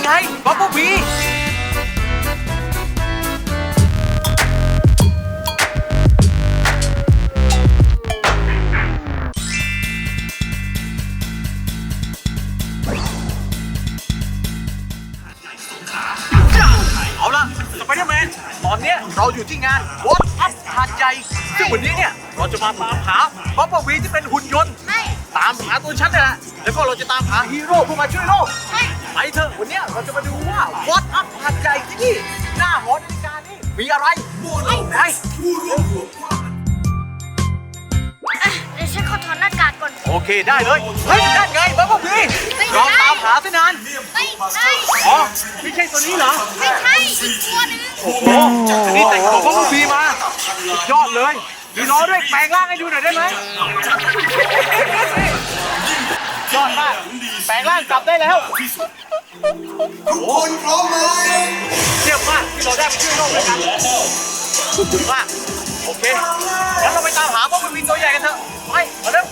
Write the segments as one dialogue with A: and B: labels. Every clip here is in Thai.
A: ไงบับเบิ้ลบีเอาล่ะสไปเดอร์แมนตอนนี้เราอยู่ที่งานวอตอัพหาดใหญ่ซึ่งวันนี้เนี่ยเราจะมาตามหาบับเบิ้ลบีที่เป็นหุ่นยนต์ตามหาตัวฉันนี่แหละแล้วก็เราจะตามหาฮีโร่ผู้มาช่วยโลกไปเถอะวันนี้เราจะมาดูว่าวอตอัพหาดใหญ่ที่นี่หน้าหอนาฬิกานี่มีอะไรไป
B: เดี๋ยวฉันขอถอดหน้ากากก่อน
A: โอเคได้เลยเฮ้ยนั่นไงบับเบิ้ลบีเราตามหาซะนาน
B: ไม่ใช่
A: อ๋อไม่ใช่ตัวนี้เหรอ
B: ไม่ใช่อีกตัวนึง
A: โอ้โหอันนี้แต่งตัวบับเบิ้ลบีมาสุดยอดเลยมีล้อด้วยแปลงร่างให้ดูหน่อยได้ไหมยอดมากแปลงร่างกลับได้แล้ว
C: ทุกคนพร้อมไหม
A: เยี่ยมมากที่เราได้ไปช่วยโลกด้วยกันสุดมากโอเคงั้นเราไปตามหาบับเบิ้ลบีตัวใหญ่กันเถอะไปมาเร็ว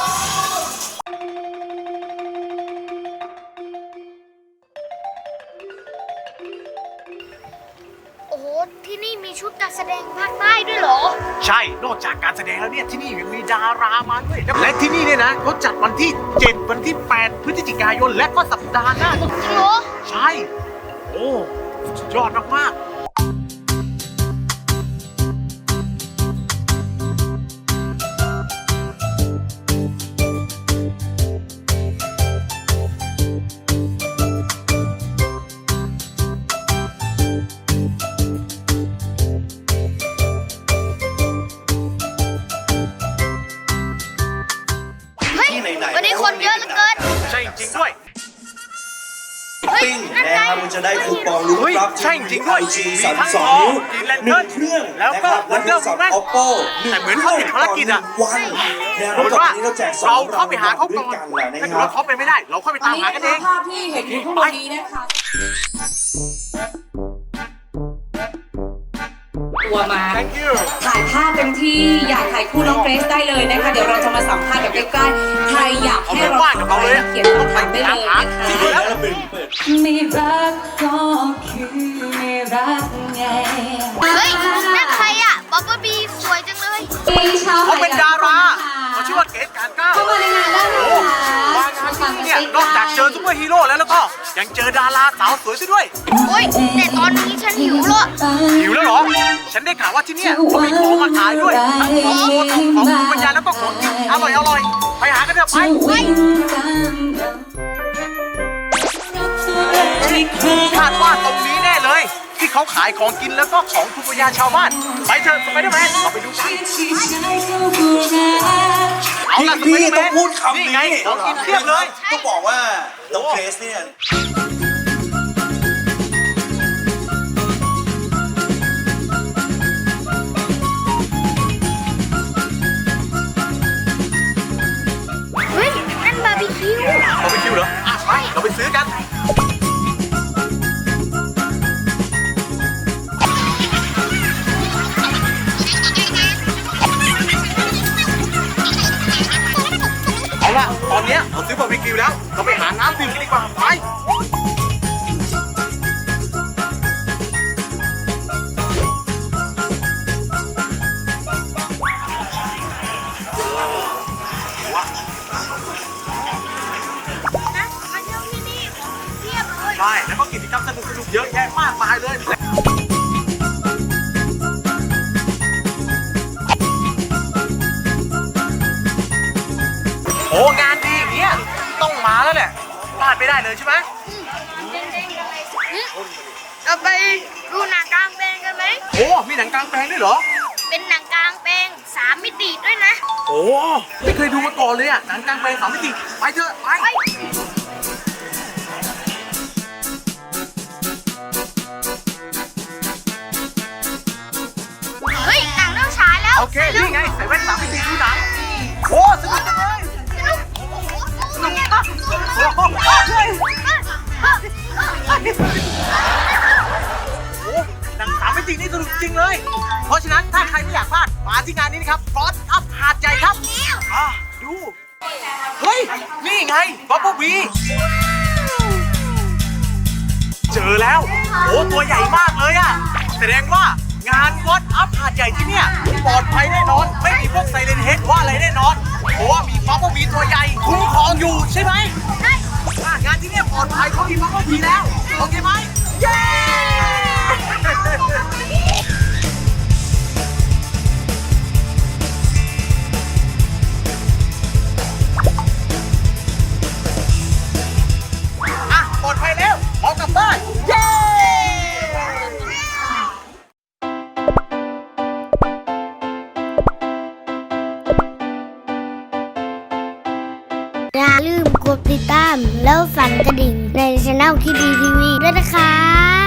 B: โอ้โหที่นี่มีชุดการแสดงภาคใต้ด้วยเหรอ
A: ใช่นอกจากการแสดงแล้วเนี่ยที่นี่ยังมีดารามาด้วยและที่นี่เนี่ยนะเขาจัดวันที่7วันที่8พฤศจิกายนและก็สัปดาห์หน้า
B: จริงเหรอ
A: ใช่โอ้สุดยอดมากๆ
B: วันนี้คนเยอะเหลือเกิน
A: ใช่จริงด้วย
C: ปิ้งนะครับมันจะได้คูปองลุ้นรับ
A: ใช่จริงด้วยมีทั้งทองกินแลนเทิร์นแล้วก็วันเดอร์วูแมนแต่เหมือนเขาติดภารกิจอ่ะเหมือนว่าเราเข้าไปหาเขาก่อนถ้าเกิดว่าเขาไปไม่ได้เราเข้าไปตามหากันเอง
D: ภาพที่เห็นอยู่ข้างบนนี้นะคะตัวมาถ่ายภาพเต็มที่อยากถ่ายคู่น้องเกรซได้เลยนะคะเดี๋ยวเราจะมาสัมภาษณ์แบบใกล้ๆใครอยากให้เราทำอะไรเขียนคำถามได้เลยนะคะไม่รักก็คือไม่รักไง
B: เฮ้ยนั่นใครอ่ะบับเบิ้ลบีสวยจังเลย
A: เขาเป็นดาราเขาชื่อว่าเกรซการก้าว
D: เข้ามาในงานได้เลย
A: มางานที่เนี่ยนอกจากเจอซุปเปอร์ฮีโร่แล้วก็ยังเจอดาราสาวสวยซะด้วย
B: โอ้ยแต่ตอนนี้ฉันหิวแล้ว
A: เหรอฉันได้ข่าวว่าที่เนี่ยเขามีของมาขายด้วยทั้งของโบทั้งของปัญญาแล้วก็ของกินอร่อยไปหากันเถอะไปคาดว่าตรงนี้แน่เลยที่เขาขายของกินแล้วก็ของภูมิปัญญาชาวบ้านไปเถอะไปได้ไหมเราไปดูกันเอาล่ะ
C: พี่ต้องพูดคำนี้
A: ไงของกินเทียบเลย
C: ต้องบอกว่าน้องเกรซเนี่ย
B: เฮ้ยนั่นบาร์บีคิว
A: เหรอไปเราไปซื้อกันเอาล่ะตอนนี้เราซื้อบาร์บีคิวแล้วเราไปหาน้ำดื่มกันดีกว่าไปใช่แล้วก็กิจกรรมสนุกๆเยอะแยะมากมายเลยโอ้งานดีอย่างเงี้ยต้องมาแล้วแหละพลาดไม่ได้เลยใช่ไหม
B: เราไปดูหนังกลางแปลงกันไหม
A: โอ้มีหนังกลางแปลงด้วยเหรอ
B: เป็นหนังกลางแปลง3 มิติด้วยนะ
A: โอ้ไม่เคยดูมาก่อนเลยอ่ะหนังกลางแปลง3 มิติไปเถอะไป
B: เฮ้ยหนังเริ่มฉายแล้ว
A: โอเคนี่ไงใส่แว่น3 มิติดูหนังโอ้สนุกจังเลยโอ้หนัง3 มิตินี่สนุกจริงเลยเพราะฉะนั้นถ้าใครไม่อยากพลาดมาที่งานนี้นะครับวอตอัพหาดใหญ่ครับดูเฮ้ยนี่ไงบับเบิ้ลบีเจอแล้วโอ้ตัวใหญ่มากเลยอะแสดงว่างานวัดอัพหาดใหญ่ที่เนี่ยปลอดภัยแน่นอนไม่มีพวกไซเรนเฮดว่าอะไรแน่นอนเพราะว่ามีบับเบิ้ลบีตัวใหญ่คุ้มครองอยู่ใช่ไหมงานที่เนี่ยปลอดภัยเขามีบับเบิ้ลบีแล้วโอเคไหมเย้ อ่ะปลอดภัยแล้วเอากลับบ้านเย้
B: อย่าลืมกดติดตามแล้วสั่นกระดิ่งในช่องคิดดีทีวีด้วยนะครับ